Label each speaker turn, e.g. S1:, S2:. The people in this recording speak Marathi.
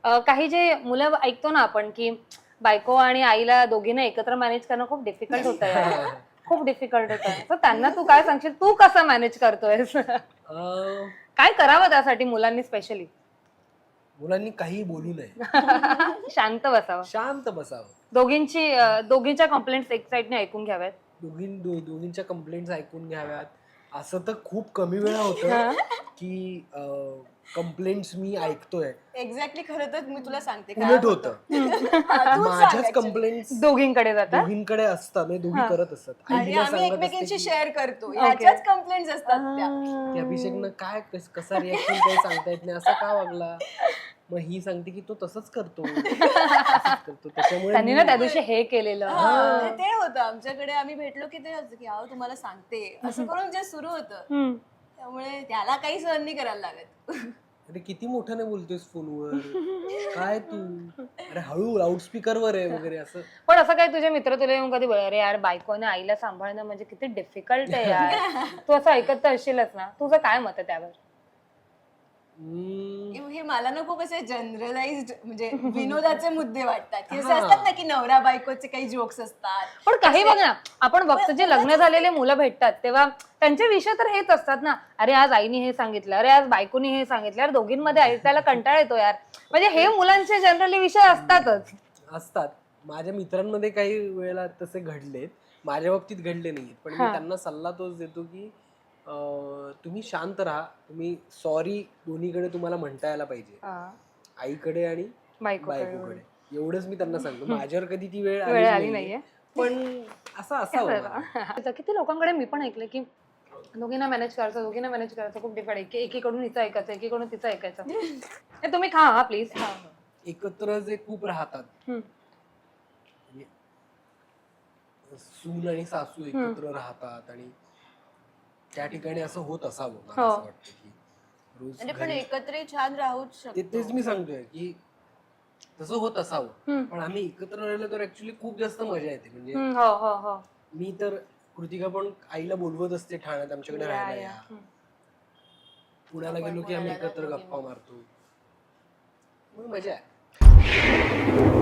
S1: काही जे मुलं ऐकतो ना आपण की बायको आणि आईला दोघींना एकत्र मॅनेज करणं खूप डिफिकल्ट होतं यार. खूप डिफिकल्ट होतं. तर त्यांना तू काय सांगशील, तू कसं मॅनेज करतोयस? काय करावं त्यासाठी मुलांनी स्पेशली?
S2: मुलांनी काही बोलू नये,
S1: शांत बसावं.
S2: शांत बसावं.
S1: दोघींच्या कंप्लेंट्स एक साईडने ऐकून घ्याव्यात.
S2: दोघींच्या कंप्लेंट्स ऐकून घ्याव्यात. असं तर खूप कमी वेळा होतं की कंप्लेंट्स मी ऐकतोय.
S3: एक्झॅक्टली. खरं तर मी तुला सांगते
S2: उलट होतं. माझ्याच कंप्लेंट्स
S1: दोघींकडे जातात.
S2: दोघींकडे असतात, म्हणजे दोघी करत असतात. आई
S3: आणि
S2: हिला
S3: आम्ही
S2: सांगत असते
S3: एकमेकींशी
S2: की
S3: शेअर करतो, ह्याच्याच कंप्लेंट्स असतात त्या.
S2: की अभिषेकनं काय कसा रिॲक्शन काही सांगता येत नाही, असा का वागला. मग ही सांगते की तो तसंच करतो, असंच करतो. त्याच्यामुळे
S1: त्यांनी ना त्या दिवशी हे केलेलं.
S3: ते होतं आमच्याकडे. आम्ही भेटलो की ते होतं की अहो तुम्हाला सांगते, असं करून जे सुरू होतं. त्यामुळे त्याला काही सहन नाही करायला लागत.
S2: अरे किती मोठ्याने बोलतोयस फोनवर, काय तू, अरे हळू लाऊडस्पीकरवर आहे वगैरे असं.
S1: पण असं काय तुझे मित्र तुला येऊन कधी बोल, अरे यार बायकोने आईला सांभाळणं म्हणजे किती डिफिकल्ट आहे यार, तू असं ऐकत तर असशीलच ना, तुझं काय मत आहे त्यावर?
S3: हे मला ना खूप असे जनरलाइज्ड म्हणजे विनोदाचे मुद्दे वाटतात की असे असतात ना की नवरा बायकोचे काही जोक्स असतात.
S1: पण काही बघ ना, आपण बघतो जे लग्न झालेले मुलं भेटतात तेव्हा त्यांचे विषय तर हेच असतात ना, अरे आज आईने हे सांगितलं, अरे आज बायकोनी हे सांगितलं, यार दोघींमध्ये ऐकायला कंटाळा येतो यार. म्हणजे हे मुलांचे जनरली विषय
S2: असतात. माझ्या मित्रांमध्ये काही वेळेला तसे घडलेत, माझ्या बाबतीत घडले नाहीत. पण मी त्यांना सल्ला तोच देतो की तुम्ही शांत राहा, तुम्ही सॉरी दोन्हीकडे तुम्हाला म्हणता यायला पाहिजे, आईकडे आणि बायकोकडे. एवढंच मी त्यांना सांगतो. माझ्यावर कधी ती वेळ आली नाहीये, पण असं असावं.
S1: किती लोकांकडे मी पण ऐकलं की दोघींना मॅनेज करायचं खूप डिफिकल्ट, एकीकडून हिचं ऐकायचं, एकीकडून तिचं ऐकायचं. हे तुम्ही खा हा प्लीज.
S2: एकत्र जे खूप राहतात, सून आणि सासू एकत्र राहतात आणि त्या ठिकाणी असं होत असावं. मला असं वाटतं की रोज
S3: म्हणजे पण एकत्र छान राहूच शकतो.
S2: तेच मी सांगतोय की तसं होत असावं. पण आम्ही एकत्र राहिलो तर ऍक्च्युली खूप जास्त मजा येते. म्हणजे मी तर कृतिका पण आईला बोलवत असते ठाण्यात आमच्याकडे राहायला या, पुण्याला गेलो की आम्ही एकत्र गप्पा मारतो, मजा आहे.